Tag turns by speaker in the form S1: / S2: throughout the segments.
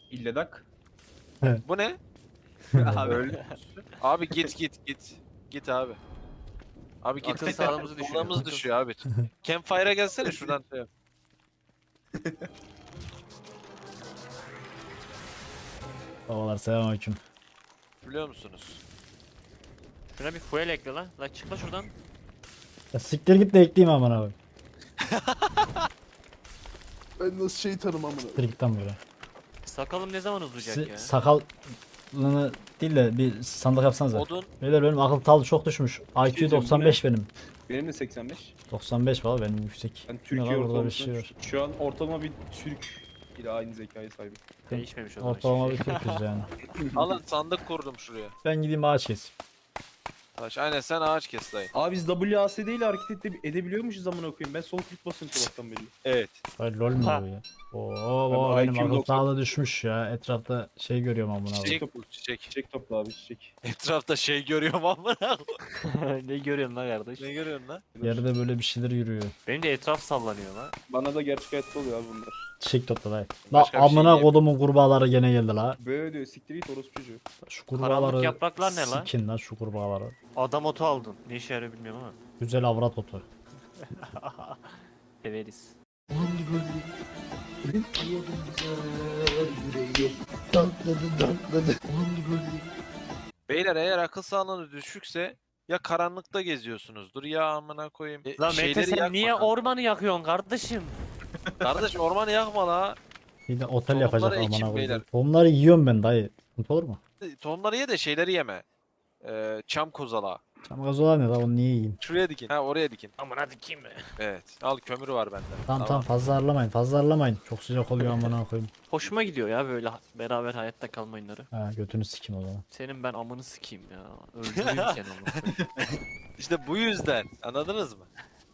S1: İlledak.
S2: Bu ne?
S1: Abi.
S2: Öldü. Abi git. Git abi. Abi git.
S3: Akıl sağlığımızı düşürüyor.
S2: Sağlığımız düşüyor abi. Campfire'a gelsene şuradan.
S4: Babalar selamünaleyküm.
S2: Biliyor musunuz?
S3: Şuna bir fuel ekle lan. La çık la şuradan.
S4: Ya siktir git de ekleyeyim aman abi.
S5: Ben nasıl şeytanım amına.
S4: Siktir git lan böyle.
S3: Sakalım ne zaman uzayacak ya?
S4: Sakalını değil de bir sandık yapsanıza.
S2: Odun.
S4: Beyler benim akıl talı çok düşmüş. IQ
S1: diyeceğim,
S4: 95 benim.
S1: Benim de 85.
S4: 95 valla benim yüksek.
S1: Ben
S4: Ne
S1: Türkiye
S4: var, burada bir
S1: ortalamasına
S4: şey var.
S1: şu an ortalama bir Türk ile aynı zekaya sahibim.
S3: Değişmemiş o zaman
S4: Ortalama
S3: hiçbir
S4: bir
S3: şey.
S4: Türk'üz yani.
S2: Alın sandık kurdum şuraya.
S4: Ben gideyim ağaç keseyim.
S2: Taş. Aynen sen ağaç kes dayı.
S1: Abi biz WASD ile hareket edebiliyormuşuz amına koyayım. Ben sol klik basıyorum sabahtan beri.
S2: Evet.
S4: Hayır lol mu
S3: Ha.
S4: bu ya? Oo benim
S1: IQ
S4: akıl
S1: 90.
S4: talı düşmüş ya. Etrafta şey görüyorum amına abi.
S2: Çiçek
S1: topla.
S2: bul çiçek.
S1: Çiçek topla abi çiçek.
S2: Etrafta şey görüyorum amına.
S3: Ne görüyorsun lan kardeş?
S2: Ne görüyorsun lan?
S4: Yerde böyle bir şeyler yürüyor.
S3: Benim de etraf sallanıyor lan.
S1: Bana da gerçek hayatta oluyor abi bunlar.
S4: Çiçek topla dayı. La
S2: Başka bir şey
S4: amına
S2: değil.
S4: kodumun kurbağaları gene geldi la.
S1: Böyle diyor siktir git orospu çocuğu.
S4: Şu
S3: Karanlık
S4: kurbağaları
S3: yapraklar ne lan?
S4: sikin lan şu kurbağaları.
S3: Adam otu aldın. Ne işe yarıyor bilmiyorum ama.
S4: Güzel avrat otu.
S3: Severiz.
S2: Beyler eğer akıl sağlığınız düşükse ya karanlıkta geziyorsunuzdur ya amına koyayım.
S3: Lan Mete
S2: Şeyleri
S3: sen
S2: yakma
S3: niye
S2: kanka.
S3: ormanı yakıyorsun kardeşim?
S2: Kardeş ormanı yakma la.
S4: Bir de otel
S2: Tohumları
S4: yapacak
S2: ekin
S4: amına
S2: beyler.
S4: koyayım. Tohumları yiyorum ben dayı. Sıkıntı olur mu?
S2: Tohumları ye de şeyleri yeme. Çam kozala.
S4: Çam gazı olan ne la onu niye yiyeyim?
S2: Şuraya dikin. Ha oraya dikin.
S3: Aman hadi kim be?
S2: Evet. Al kömür var bende.
S4: Tamam fazla harlamayın fazla harlamayın. Çok sıcak oluyor amına koyayım.
S3: Hoşuma gidiyor ya böyle beraber hayatta kalma oyunları.
S4: Ha götünü sikim o zaman.
S3: Senin ben amını sikeyim ya. Öldüreyim seni onu.
S2: İşte bu yüzden. Anladınız mı?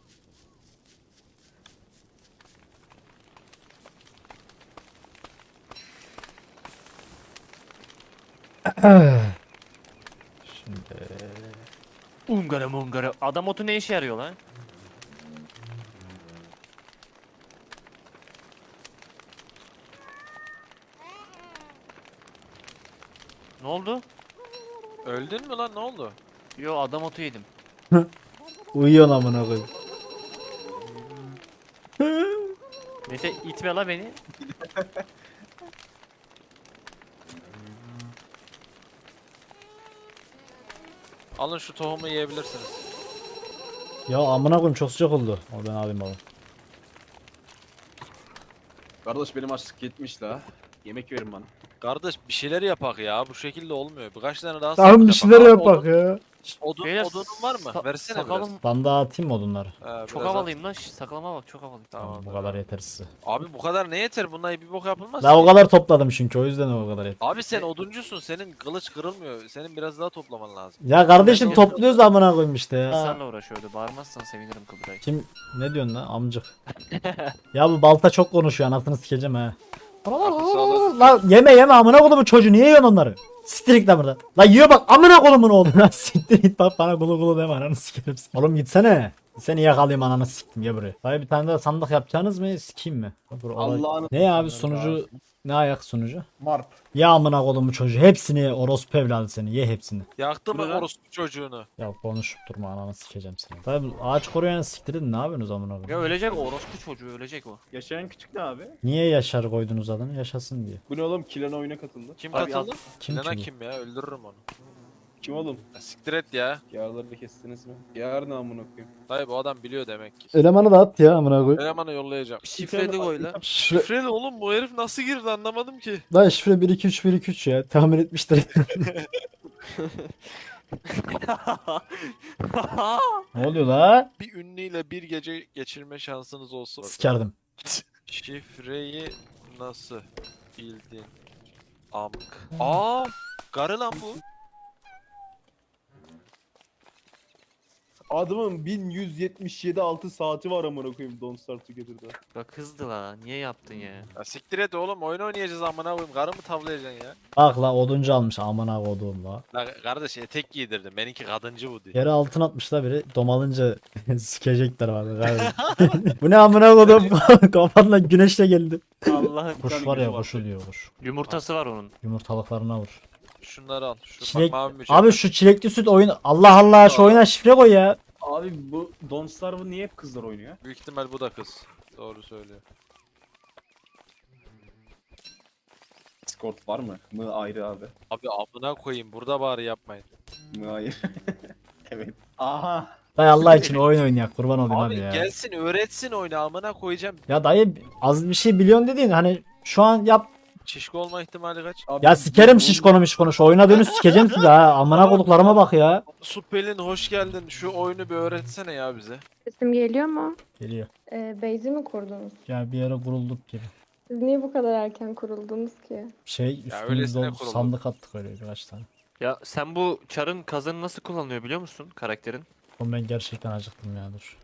S4: Şimdi
S3: Ungara mungara. Adam otu ne işe yarıyor lan? Ne oldu?
S2: Öldün mü lan ne oldu?
S3: Yo adam otu yedim.
S4: uyuyorsun amına koyayım.
S3: Mete itme la beni.
S2: Alın şu tohumu yiyebilirsiniz.
S4: Ya amına koyayım çok sıcak oldu. O ben alayım baba.
S1: Kardeş benim açlık yetmiş la. Yemek verin bana.
S2: Kardeş bir şeyler yapak ya. Bu şekilde olmuyor. Birkaç tane daha
S4: Tamam
S2: sandık
S4: bir şeyler
S2: yapak.
S4: yapak ya.
S3: Beyler,
S2: Odunun var mı? Versene
S3: sakalım
S4: Ben daha atayım mı odunları?
S2: biraz. Ha,
S3: çok
S2: biraz
S3: havalıyım lan. Şş, sakalama bak çok havalıyım.
S2: Tamam.
S4: Bu kadar yeter size.
S2: Abi bu kadar ne yeter? Bunlar bir bok yapılmaz
S4: Daha
S2: ki.
S4: o kadar topladım çünkü o yüzden o kadar yeter.
S2: Abi sen oduncusun. Senin kılıç kırılmıyor. Senin biraz daha toplaman lazım.
S4: Ya kardeşim
S3: Ben-
S4: topluyoruz da amına koyayım işte ya.
S3: İnsanla uğraşıyordu. Bağırmazsan sevinirim Kıbray.
S4: Kim ne diyorsun lan amcık? Ya bu balta çok konuşuyor anasını sikeceğim ha. Lan yeme amına kodumun çocuğu niye yiyorsun onları? Siktir git lan buradan. Lan yiyor bak amına kodumun oğlu. Lan siktir git bak bana kulu kulu deme ananı sikerim. Oğlum gitsene. Seni yakalayayım ananı siktim ya buraya. Dayı bir tane daha sandık yapacaksınız mı? Sikeyim mi?
S1: Allah'ını
S4: Ne abi sunucu? Ne ayak sunucu?
S5: Marp.
S4: Ya amına kodumun çocuğu hepsini orospu evladı seni ye hepsini.
S2: Yaktı mı
S3: Bu ne lan?
S2: orospu çocuğunu?
S4: Ya konuşup durma ananı sikeceğim seni. Dayı bu ağaç koruyan siktirin ne yapıyorsunuz amına
S3: Ya
S4: koyayım?
S3: ölecek o orospu çocuğu ölecek o.
S1: Yaşayan küçük ne abi?
S4: Niye Yaşar koydunuz adını? Yaşasın diye.
S1: Bu ne oğlum? Kilen oyuna katıldı.
S2: Kim
S3: Abi
S2: katıldı?
S4: Kim
S2: Lena
S4: ki bu?
S2: kim ya? Öldürürüm onu.
S1: Kim oğlum?
S2: Ya siktir et ya.
S1: Yağları kestiniz mi? Yağar ne amına koyayım?
S2: Dayı bu adam biliyor demek ki.
S4: Elemanı da at ya amına koy.
S2: Elemanı yollayacağım.
S3: Şifreli koy lan.
S4: Şifre,
S2: Şifreli oğlum bu herif nasıl girdi anlamadım ki.
S4: lan şifre 1 2 3 1 2 3 ya. Tahmin etmiştir. Ne oluyor la?
S2: Bir ünlüyle bir gece geçirme şansınız olsun.
S4: Sikerdim.
S2: Şifreyi nasıl bildin? Amk. Aa, karı lan bu.
S1: Adamın 1177 6 saati var amına koyayım Don't Starve Together'da.
S3: Bak hızlı la. Niye yaptın ya?
S2: Ya siktir et oğlum oyun oynayacağız amına koyayım. Karı mı tavlayacaksın ya?
S4: Bak la oduncu almış amına koduğum la.
S2: La kardeş etek giydirdim. Benimki kadıncı bu diye.
S4: Yere altın atmış la biri. Domalınca sikecekler vardı galiba. Bu ne amına kodum? Kafanla güneşle geldi.
S3: Allah'ım.
S4: Kuş var ya kuşu diyor kuş.
S3: Yumurtası var onun.
S4: Yumurtalıklarına vur.
S2: Şunları al. Şu
S4: Çilek...
S2: bak mavi mücevher.
S4: Abi şu çilekli süt oyun. Allah Allah şu oyuna şifre koy ya.
S1: Abi bu Don't Starve'ı niye hep kızlar oynuyor?
S2: Büyük ihtimal bu da kız. Doğru söylüyor.
S6: Discord var mı? Mı ayrı abi.
S2: Abi amına koyayım burada bari yapmayın.
S6: Mı ayrı. Evet.
S1: Aha.
S4: Dayı Allah için oyun oynayak kurban olayım
S2: Abi
S4: abi ya.
S2: gelsin öğretsin oyunu amına koyacağım.
S4: Ya dayı az bir şey biliyorsun dediğin hani şu an yap.
S2: Şişko olma ihtimali kaç?
S1: Abi,
S4: Ya sikerim şişkonu mişkonu şu oyuna dönüş sikeceğim sizi ha. Amına koduklarıma bak ya.
S2: Supelin hoş geldin. Şu oyunu bir öğretsene ya bize.
S7: Sesim geliyor mu?
S4: Geliyor.
S7: Base'i mi kurdunuz?
S4: Ya bir yere kurulduk gibi.
S7: Siz niye bu kadar erken kuruldunuz ki?
S4: Şey
S2: öylesine
S4: üstümüzde oldu,
S2: kurulduk.
S4: sandık attık öyle birkaç tane.
S3: Ya sen bu çarın kazanı nasıl kullanılıyor biliyor musun karakterin?
S4: Oğlum ben gerçekten acıktım ya dur.